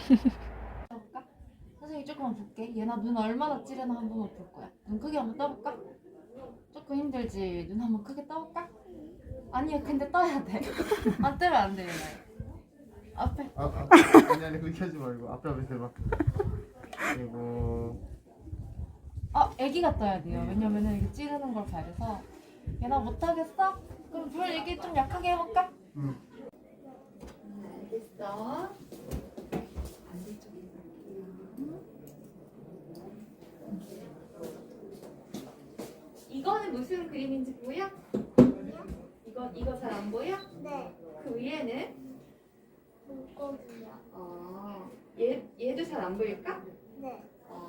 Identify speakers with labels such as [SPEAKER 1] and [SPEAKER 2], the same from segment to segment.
[SPEAKER 1] 떠볼까? 선생님 조금만 볼게. 얘나 눈 얼마나 찌르나 한번 볼 거야. 눈 크게 한번 떠볼까? 조금 힘들지? 눈 한번 크게 떠볼까? 아니야, 근데 떠야 돼. 안 뜨면 안 돼, 얘나. 앞에.
[SPEAKER 2] 아니 그렇게 하지 말고 앞에 대봐. 그리고
[SPEAKER 1] 애기가 떠야 돼요. 왜냐면은 이게 찌르는 걸 봐야 돼서. 얘나 못하겠어? 그럼 불 이게 좀 약하게 해볼까? 알겠어. 이거는 무슨 그림인지 보여? 이거 잘 안 보여?
[SPEAKER 3] 네.
[SPEAKER 1] 그 위에는?
[SPEAKER 3] 물고기요.
[SPEAKER 1] 얘도 잘 안 보일까?
[SPEAKER 3] 네.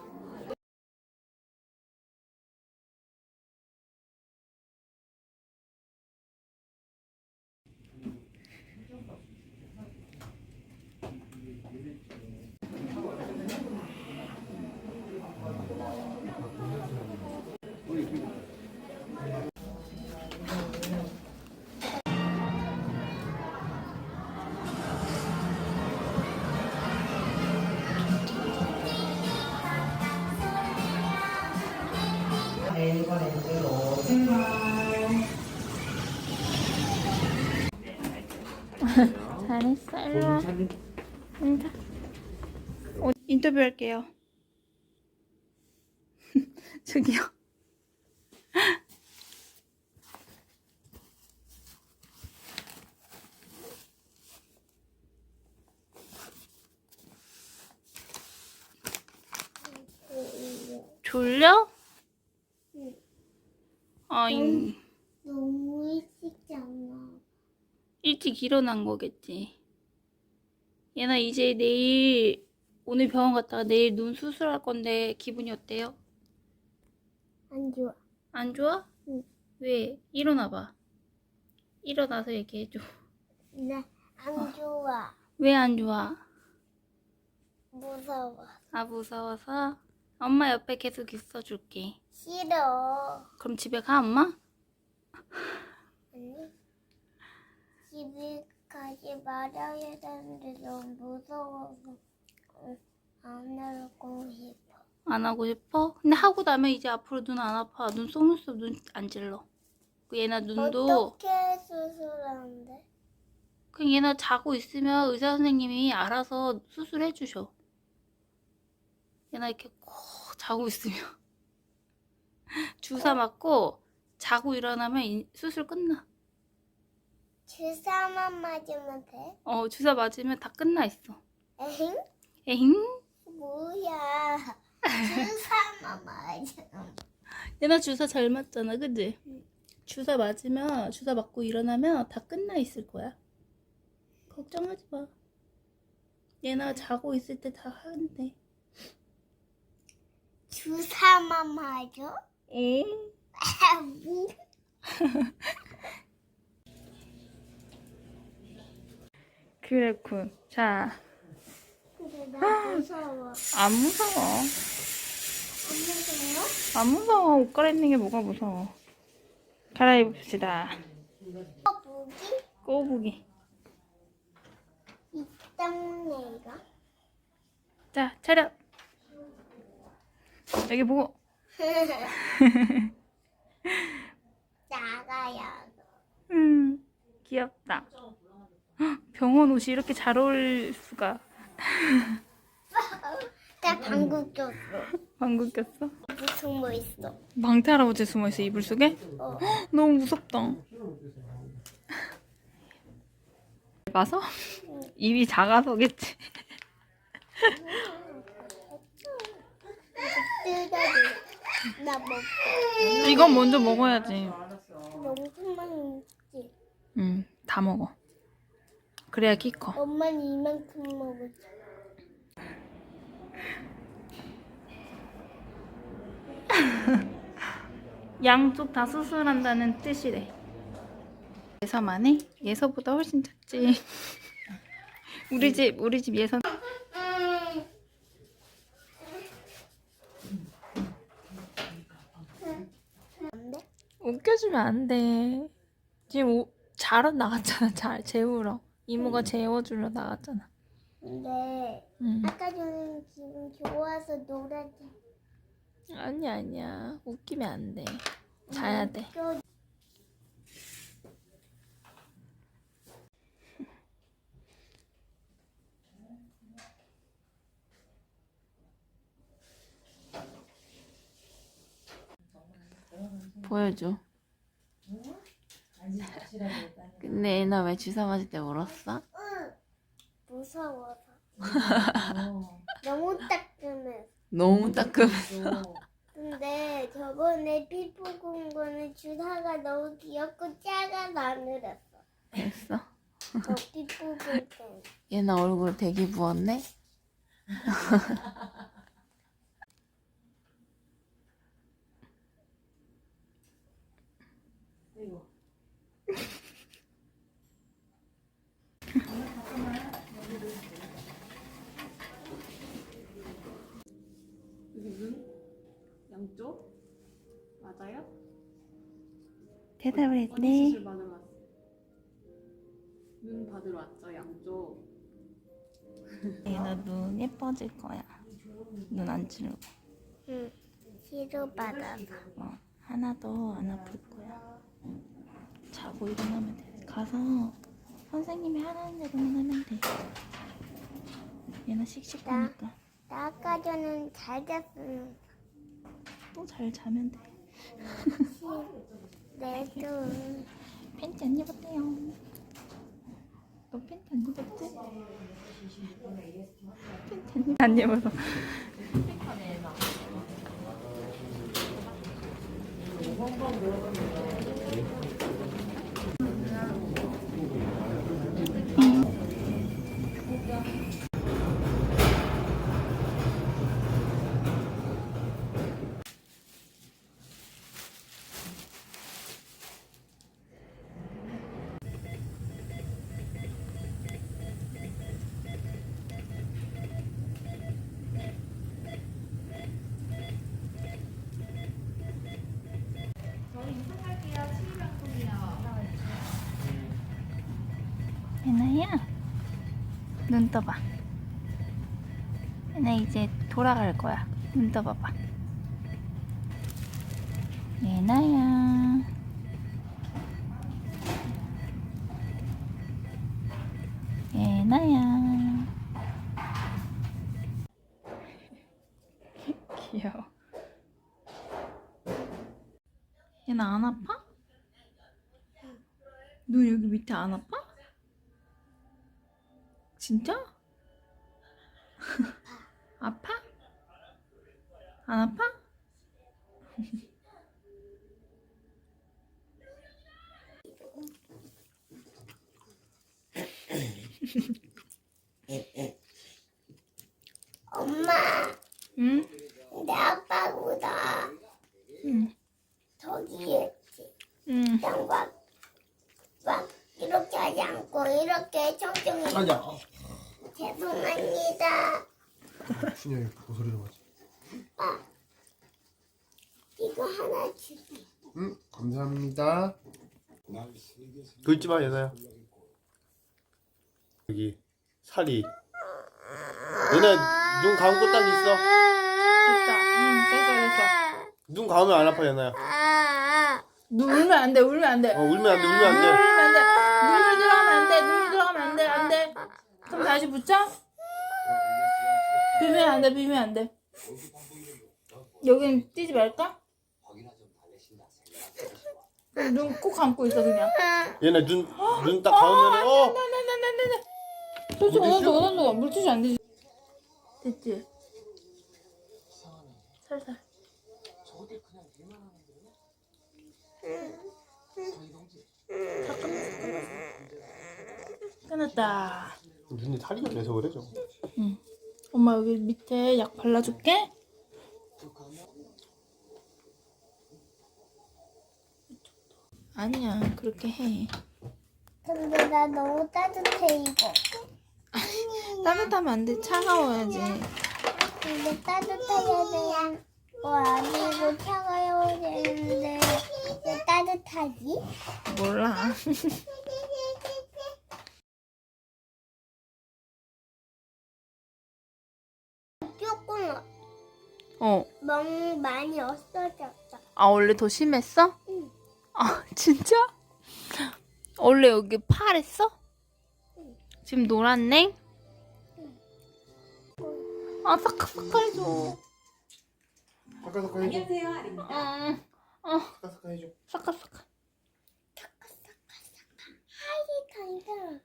[SPEAKER 1] 에버랜드로 출발.
[SPEAKER 4] 잘했어. 일로 와. 인터뷰할게요. 저기요. 졸려?
[SPEAKER 3] 응. 너무 일찍잖아.
[SPEAKER 4] 일찍 일어난 거겠지. 얘나 이제 내일 오늘 병원 갔다가 내일 눈 수술할 건데 기분이 어때요?
[SPEAKER 3] 안 좋아.
[SPEAKER 4] 안 좋아?
[SPEAKER 3] 응.
[SPEAKER 4] 왜? 일어나봐. 일어나서 얘기해줘.
[SPEAKER 3] 나 안 좋아.
[SPEAKER 4] 왜 안 좋아?
[SPEAKER 3] 무서워.
[SPEAKER 4] 아, 무서워서? 엄마 옆에 계속 있어줄게.
[SPEAKER 3] 싫어.
[SPEAKER 4] 그럼 집에 가, 엄마?
[SPEAKER 3] 아니, 집에 가지 말아야 되는데 너무 무서워서 안 하고 싶어.
[SPEAKER 4] 안 하고 싶어? 근데 하고 나면 이제 앞으로 눈 안 아파. 눈 속눈썹 눈 안 찔러. 그 얘나 눈도
[SPEAKER 3] 어떻게 수술하는데?
[SPEAKER 4] 그냥 얘나 자고 있으면 의사 선생님이 알아서 수술해 주셔. 얘나 이렇게 꼭 자고 있으면 주사 맞고 자고 일어나면 수술 끝나.
[SPEAKER 3] 주사만 맞으면 돼?
[SPEAKER 4] 주사 맞으면 다 끝나 있어.
[SPEAKER 3] 에잉?
[SPEAKER 4] 에잉?
[SPEAKER 3] 뭐야? 주사만 맞으면.
[SPEAKER 4] 얘나 주사 잘 맞잖아, 그치? 주사 맞으면 주사 맞고 일어나면 다 끝나 있을 거야. 걱정하지 마. 얘나 자고 있을 때 다 하는데.
[SPEAKER 3] 주사만 맞아?
[SPEAKER 4] 응?
[SPEAKER 3] 뭐?
[SPEAKER 4] 그랬군. 자,
[SPEAKER 3] 근데 나 무서워.
[SPEAKER 4] 안 무서워.
[SPEAKER 3] 안 무서워?
[SPEAKER 4] 안 무서워. 옷 갈아입는 게 뭐가 무서워. 갈아입읍시다.
[SPEAKER 3] 무기?
[SPEAKER 4] 꼬부기.
[SPEAKER 3] 이 땅내가?
[SPEAKER 4] 자, 차렷. 여기 보고.
[SPEAKER 3] 나가야.
[SPEAKER 4] 귀엽다. 헉, 병원 옷이 이렇게 잘 어울릴 수가.
[SPEAKER 3] 나 방구 꼈어.
[SPEAKER 4] 방구 꼈어?
[SPEAKER 3] 무슨 뭐 있어?
[SPEAKER 4] 망태 할아버지 숨어있어, 이불 속에?
[SPEAKER 3] 어.
[SPEAKER 4] 헉, 너무 무섭다. 봐서? 입이 작아서겠지.
[SPEAKER 3] 뜯어줘. 나 먹고.
[SPEAKER 4] 이건 먼저 먹어야지.
[SPEAKER 3] 너무만 있지.
[SPEAKER 4] 다 먹어. 그래야 키 커.
[SPEAKER 3] 엄마는 이만큼 먹었어.
[SPEAKER 4] 양쪽 다 수술한다는 뜻이래. 예서만 해? 예서보다 훨씬 작지. 우리 집 예서.
[SPEAKER 3] 안 돼?
[SPEAKER 4] 웃겨주면 안 돼. 지금 자러 나갔잖아. 잘 재우러. 이모가 재워주러 나갔잖아.
[SPEAKER 3] 근데
[SPEAKER 4] 응.
[SPEAKER 3] 아까 전에 지금 좋아서 놀았지.
[SPEAKER 4] 아니야. 웃기면 안 돼. 자야 돼. 보여줘. 근데 애나 왜 주사 맞을 때 울었어?
[SPEAKER 3] 무서워서. 너무 따끔해.
[SPEAKER 4] 너무 따끔했어.
[SPEAKER 3] 근데 저번에 피부 군 거는 주사가 너무 귀엽고 작아서 안 울었어.
[SPEAKER 4] 됐어.
[SPEAKER 3] 저 피부 군 때.
[SPEAKER 4] 얘나 얼굴 되게 부었네?
[SPEAKER 1] 여기 눈 양쪽 맞아요?
[SPEAKER 4] 대답을
[SPEAKER 1] 어디 수술 받으러 왔어? 눈 받으러 왔죠 양쪽.
[SPEAKER 4] 얘나 눈 예뻐질 거야. 눈 안 찌르고.
[SPEAKER 3] 응. 치료받아서.
[SPEAKER 4] 하나도 안 아플 거야. 자고 일어나면 돼. 가서 선생님이 하라는 대로만 하면 돼. 얘나 씩씩하니까.
[SPEAKER 3] 나 아까 전엔 잘 잤으면
[SPEAKER 4] 또 잘 자면 돼.
[SPEAKER 3] 내도
[SPEAKER 4] 팬티 안 입었대요. 너 팬티 안 입었지? 팬티 안 입어서. 예나야, 눈 떠봐. 예나 이제 돌아갈 거야. 눈 떠봐봐. 예나야. 예나야. 귀여워. 예나 안 아파? 눈 여기 밑에 안 아파? 진짜? 아파? 안 아파?
[SPEAKER 3] 엄마,
[SPEAKER 4] 응?
[SPEAKER 3] 내 아빠보다
[SPEAKER 4] 응.
[SPEAKER 3] 저기였지.
[SPEAKER 4] 응.
[SPEAKER 3] 막 이렇게 하지 않고 이렇게 청청히.
[SPEAKER 2] 아니야.
[SPEAKER 3] 죄송합니다.
[SPEAKER 2] 준영이 고소리 좀 하지.
[SPEAKER 3] 이거 하나 줄게.
[SPEAKER 2] 응, 감사합니다. 긁지 마, 얘나야. 여기 살이. 얘나 눈 감고 딱 있어.
[SPEAKER 4] 됐다. 응, 됐어.
[SPEAKER 2] 눈 감으면 안 아파, 얘나야.
[SPEAKER 4] 눈 울면 안 돼, 울면 안 돼.
[SPEAKER 2] 울면 안 돼, 울면 안 돼.
[SPEAKER 4] 울면 안 돼. 눈을 들어가면 안 돼, 눈을 들어가면 안 돼, 안 돼. 그럼 다시 붙여? 비면 안 돼, 비면 안 돼. 여긴 뛰지 말까? 눈 꼭 감고 있어, 그냥.
[SPEAKER 2] 얘나 눈 딱 감으면
[SPEAKER 4] 네. 솔직히 원한도 물티슈 안 되지. 됐지? 살살. 끝났다.
[SPEAKER 2] 눈이 탈이가 돼서 그래, 저거.
[SPEAKER 4] 응. 엄마 여기 밑에 약 발라줄게. 아니야, 그렇게 해.
[SPEAKER 3] 근데 나 너무 따뜻해 이거.
[SPEAKER 4] 따뜻하면 안 돼, 차가워야지.
[SPEAKER 3] 근데 따뜻해야 되는 거 아니고 차가워야 되는데 왜 따뜻하지?
[SPEAKER 4] 몰라. 어.
[SPEAKER 3] 멍 많이 없어졌어.
[SPEAKER 4] 아, 원래 더 심했어?
[SPEAKER 3] 응.
[SPEAKER 4] 아, 진짜? 원래 여기 파랬어?
[SPEAKER 3] 응.
[SPEAKER 4] 지금 노랗네?
[SPEAKER 3] 응.
[SPEAKER 4] 아, 사카사카 해줘.
[SPEAKER 2] 사카사카 해줘.
[SPEAKER 4] 응.
[SPEAKER 2] 사카사카 해줘.
[SPEAKER 4] 사카사카.
[SPEAKER 3] 하이 간다.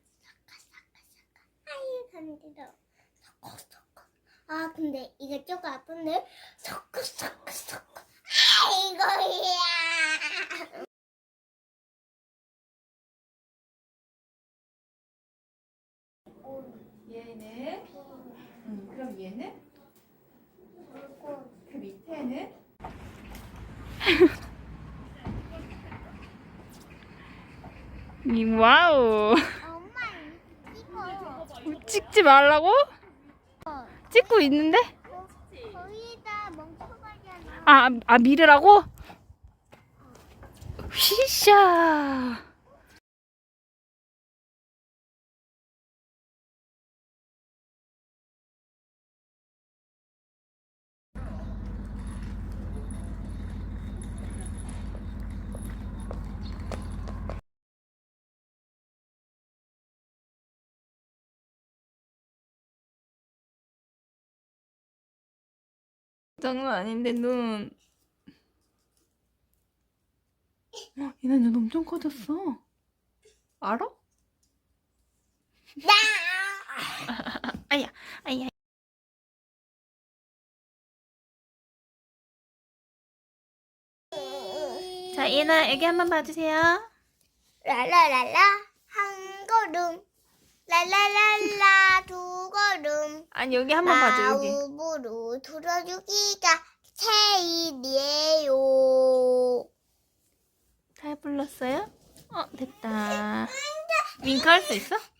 [SPEAKER 3] 하이 간다. 아 근데 이거 조금 아픈데. 아이고야.
[SPEAKER 1] 얘는 그럼 얘는 그 밑에는
[SPEAKER 4] 와우.
[SPEAKER 3] 엄마 이거
[SPEAKER 4] 찍지 말라고? 찍고 있는데?
[SPEAKER 3] 거기다 멍청하잖아.
[SPEAKER 4] 아, 미르라고? 휘샤. 장난 아닌데 눈. 얘네 눈 엄청 커졌어. 알아? 아야, 아야. 자, 얘나 여기 한번 봐주세요.
[SPEAKER 3] 라라라라 한 걸음 라라라라 두 걸음
[SPEAKER 4] 아니 여기 한번 봐줘 여기.
[SPEAKER 3] 마음으로 들어주기가 제일이에요.
[SPEAKER 4] 잘 불렀어요? 됐다. 윙크 할 수 있어?